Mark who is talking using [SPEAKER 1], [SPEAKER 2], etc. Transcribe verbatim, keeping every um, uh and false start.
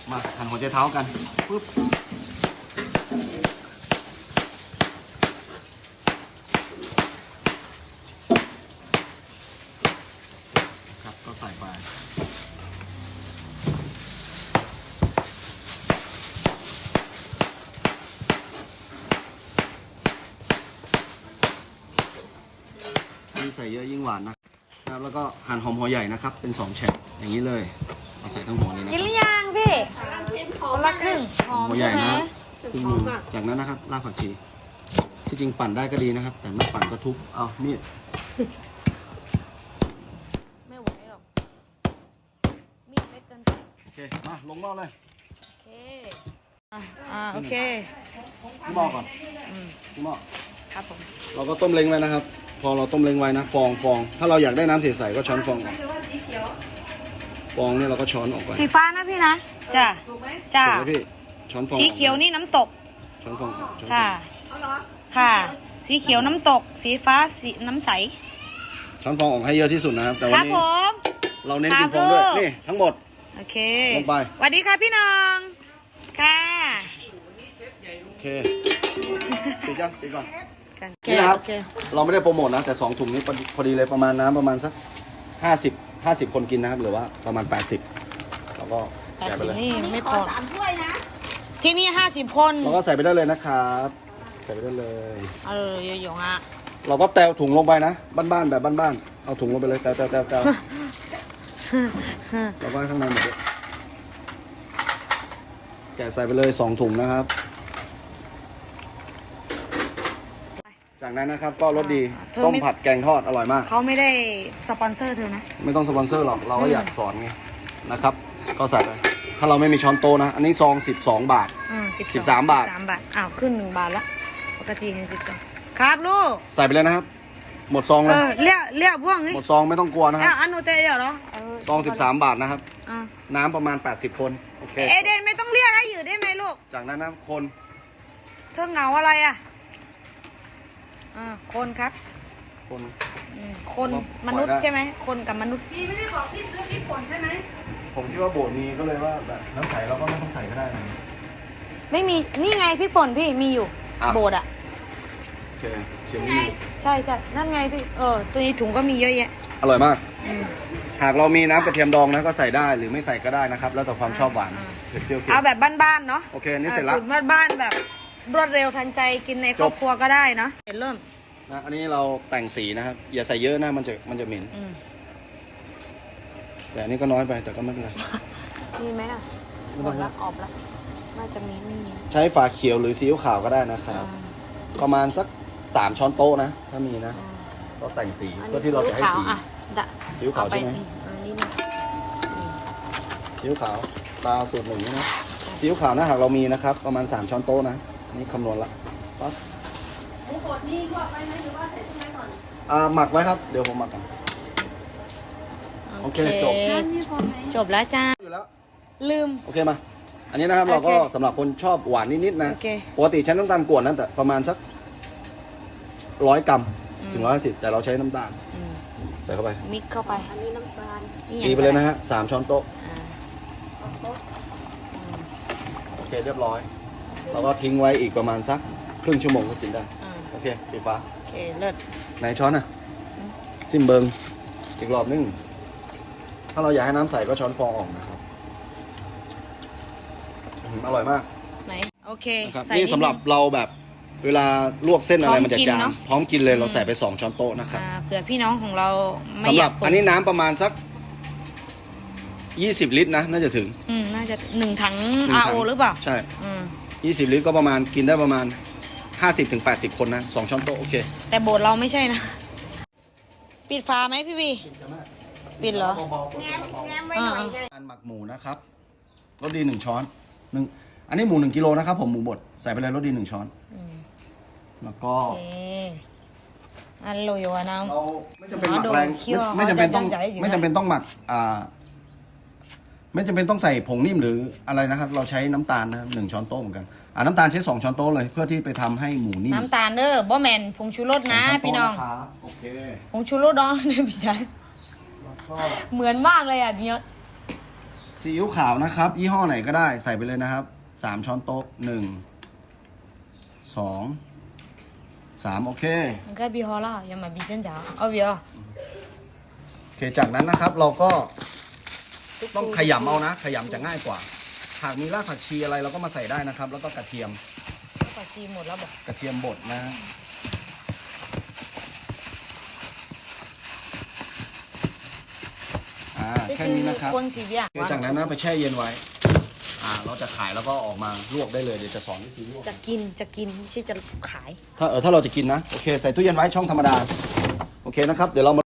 [SPEAKER 1] มาหั่นหัวใจเท้ากันปึ๊บครับก็ใส่ไปยิ่งใส่เยอะยิ่งหวานนะครับแล้วก็หั่นหอมหัวใหญ่นะครับเป็นสองแฉกอย่างนี้เลยเอาใส่ทั้งหัวนี้นะกินหรือยังพี่คนละครึ่งหอมหัวใหญ่นะครึ่งนึงจากนั้นนะครับรากผักชีที่จริงปั่นได้ก็ดีนะครับแต่ไม่ปั่นก็ทุบเอามีด
[SPEAKER 2] ไม่ไหวหรอกมีดเล็กเกินไป
[SPEAKER 1] โอเคมาลงหม้อเลย
[SPEAKER 2] โอเคอ่าโอเค
[SPEAKER 1] ที่หม้อก่อนที่หม้อ
[SPEAKER 2] ครับผม
[SPEAKER 1] เราก็ต้มเล้งไว้นะครับพอเราต้มเล้งไว้นะฟองฟองถ้าเราอยากได้น้ำใสๆก็ช้อนฟองออกฟองเนี่ยเราก็ช้อนออกไป
[SPEAKER 2] สีฟ้านะพี่นะจ้าจ้า
[SPEAKER 1] พี่ช้อนฟอง
[SPEAKER 2] สีเขียวนี่น้ำตก
[SPEAKER 1] ช้อนฟอง
[SPEAKER 2] ค่ะค่ะสีเขียวน้ำตกสีฟ้าสีน้ำใส
[SPEAKER 1] ช้อนฟองออกให้เยอะที่สุดนะครับแต่วันนี้เราเน้นกินฟองด้วยนี่ทั้งหมด
[SPEAKER 2] โอเค
[SPEAKER 1] ลงไป
[SPEAKER 2] สวัสดีค่ะพี่น้องค่ะ
[SPEAKER 1] โอเคติดยังติดก่อนนี่นะครับเราไม่ได้โปรโมทนะแต่สองถุงนี้พอดีเลยประมาณน้ำประมาณสักห้าสิบห้าสิบคนกินนะครับหรือว่าประมาณแปดสิบเราก็
[SPEAKER 2] แปดสิบนี่ไม่พอสามถ้วยนะที่นี่ห้าสิบคน
[SPEAKER 1] เราก็ใส่ไปได้เลยนะครับใส่ไปได้เลย
[SPEAKER 2] เออเยอะๆอ่ะ
[SPEAKER 1] เราก็แตวถุงลงไปนะบ้านๆแบบบ้านๆเอาถุงลงไปเลยแตวแตวแตวแตวแล้วก็ข้างในหมดเลยแกะใส่ไปเลยสองถุงนะครับจากนั้นนะครับก็รสดีต้มผัดแกงทอดอร่อยมาก
[SPEAKER 2] เขาไม่ได้สปอนเซอร์เธอนะ
[SPEAKER 1] ไม่ต้องสปอนเซอร์หรอกเราก็อยากสอนไงนะครับก็ใส่ไปถ้าเราไม่มีช้อนโตนะอันนี้ซองสิบสองบาทสิบสามบาท
[SPEAKER 2] สามบาทอ้าวขึ้นหนึ่งบาทละปกติเห็นสิบสองครับลูก
[SPEAKER 1] ใส่ไปเลยนะครับหมดซองเลย
[SPEAKER 2] เลี้ยเลี้ยพ่วง
[SPEAKER 1] หมดซองไม่ต้องกลัวนะครับ
[SPEAKER 2] อันนู้นเตยเหรอ
[SPEAKER 1] ซองสิบสามบาทนะครับน้ำประมาณแปดสิบคนโอเค
[SPEAKER 2] เอเดนไม่ต้องเรียกให้อยู่ได้ไหมลูก
[SPEAKER 1] จากนั้นนะคน
[SPEAKER 2] เธอเหงาอะไรอ่ะอ่าคนครับ
[SPEAKER 1] คน
[SPEAKER 2] คนมนุษย์ใช่ไหมคนกับมนุษย์
[SPEAKER 3] พี่ไม่ได้บอกพี่ซื้อพี่ผลใช่ไหม
[SPEAKER 1] ผมคิดว่าโบสมีก็เลยว่าแบบน้ำใสเราก็ไม่ต้องใส่ก็ได้นะ
[SPEAKER 2] ไม่มีนี่ไงพี่ป่นพี่มีอยู่โบสอ่ะ
[SPEAKER 1] โอเคเชียงนี่
[SPEAKER 2] ใช่ใช่นั่นไงพี่เออตัวนี้ถุงก็มีเยอะแยะ
[SPEAKER 1] อร่อยมากหากเรามีน้ำกระเทียมดองนะก็ใส่ได้หรือไม่ใส่ก็ได้นะครับแล้วแต่ความชอบหวานเผ็ดเปรี้ยวเค็ม
[SPEAKER 2] เอาแบบบ้านๆเนาะ
[SPEAKER 1] โอเคนี่เสร็จแล้ว
[SPEAKER 2] สูตรบ้านๆแบบรวดเร็วทันใจกินในครอบครัวก็ได้เนาะเริ่ม
[SPEAKER 1] นะอันนี้เราแต่งสีนะครับอย่าใส่เยอะนะมันจะมันจะเหม็นแต่อันนี้ก็น้อยไปแต่ก็ไม่เป็นไร
[SPEAKER 2] มีไหมล่ะหมดละออกละน่าจะมีไม่มี
[SPEAKER 1] ใช้ฝาเขียวหรือซีอิ๊วขาวก็ได้นะครับประมาณสักสามช้อนโต๊ะนะถ้ามีนะก็แต่งสีเพื่อที่เราจะให้สีซีอิ๊วขาวใช่ไหมซีอิ๊วขาวตาสูตรหนึ่งนะซีอิ๊วขาวนะหากเรามีนะครับประมาณสามช้อนโต๊ะนะนี่คำนวณละปั๊บ
[SPEAKER 3] หมูบดนี่ลวกไว้ไหมหรือว่าใส่ตู้เย็นก่อน
[SPEAKER 1] อ่าหมักไว้ครับเดี๋ยวผมหมักกันโอเคจบ
[SPEAKER 2] จบแล้วจ้า
[SPEAKER 1] อยู่แล้ว
[SPEAKER 2] ลืม
[SPEAKER 1] โอเคมาอันนี้นะครับเราก็สำหรับคนชอบหวานนิดๆนะปกติใช้น้ำตาลกวนนั่นแต่ประมาณสักร้อยกรัมถึงร้อยห้าสิบแต่เราใช้น้ำตาลใส่เข้าไป
[SPEAKER 2] มิกเข้าไป
[SPEAKER 3] อันนี้น้ำตาล
[SPEAKER 1] ตีไปเลยนะฮะสามช้อนโต๊ะโอเคเรียบร้อยเราก็ทิ้งไว้อีกประมาณสักครึ่งชั่วโมงก็กินได้โอเคสีฟ้า
[SPEAKER 2] โอเคเลิศ
[SPEAKER 1] ไหนช้อนอ่ะซิมเบิงอีกรอบนึงถ้าเราอยากให้น้ำใสก็ช้อนฟองออกนะครับอร่อยมาก
[SPEAKER 2] ไหนโอเค
[SPEAKER 1] นี่สำหรับเราแบบเวลาลวกเส้นอะไรมันจะจางพร้อมกินเลยเราใส่ไปสองช้อนโต๊ะนะครับ
[SPEAKER 2] เผื่อพี่น้องของเรา
[SPEAKER 1] สำหรับอันนี้น้ำประมาณสักยี่สิบลิตรนะน่าจะถึง
[SPEAKER 2] อืมน่าจะหนึ่งถัง อาร์ โอ หรือเปล่า
[SPEAKER 1] ใช่ยี่สิบลิตรก็ประมาณกินได้ประมาณห้าสิบถึงแปดสิบคนนะสองช้อนโต๊ะโอเค
[SPEAKER 2] แต่โบสเราไม่ใช่นะปิดฝาไหมพี่บีปิดเหรอ
[SPEAKER 3] แง้มแง้มไว้หน่อยเลย
[SPEAKER 1] การหมักหมูนะครับรสดีหนึ่งช้อนหนึ่งอันนี้หมูหนึ่งกิโลนะครับผมหมูบดใส่ไปเลยรสดีหนึ่งช้อนแล้วก็
[SPEAKER 2] อันโรยนะ
[SPEAKER 1] เราไม่จำเป็นหมักแรงไม่จำเป็นต้องไม่จำเป็นต้องหมักอ่าไม่จำเป็นต้องใส่ผงนิ่มหรืออะไรนะครับเราใช้น้ำตาลนะหนึ่งช้อนโต๊ะเหมือนกันอ่าน้ำตาลใช้สองช้อนโต๊ะเลยเพื่อที่ไปทำให้หมูนิ่ม
[SPEAKER 2] น้ำตาลเด้อบ่แมนผงชูรสนะพี่น้อง
[SPEAKER 1] โอเค
[SPEAKER 2] ผงชูรสน้องเนี่ยพี่ชายเหมือนมากเลยอ่ะเนี่ย
[SPEAKER 1] ซีอิ๊วขาวนะครับ ยี่ห้อไหนก็ได้ใส่ไปเลยนะครับสามช้อนโต๊ะหนึ่งสองสามโอเค
[SPEAKER 2] 应该比好了要么比真假เอาเบียร์
[SPEAKER 1] โอเคจากนั้นนะครับเราก็ต้องขยำเอานะขยำจะง่ายกว่าหากมีรากผักชีอะไรเราก็มาใส่ได้นะครับ แล้วก็กระเทียม
[SPEAKER 2] ผักชีหมดแล้วบอก
[SPEAKER 1] กระเทียมบดนะอ่าแค่นี้นะครับ
[SPEAKER 2] คนสีเบียร์
[SPEAKER 1] โอเคจากนั้นนะไปแช่เย็นไว้อ่าเราจะขายแล้วก็ออกมาลวกได้เลยเดี๋ยวจะสอนวิธีลวก
[SPEAKER 2] จะกินจะกินไม่ใช่จะขาย
[SPEAKER 1] ถ้าเออถ้าเราจะกินนะโอเคใส่ตู้เย็นไว้ช่องธรรมดาโอเคนะครับเดี๋ยวเรามา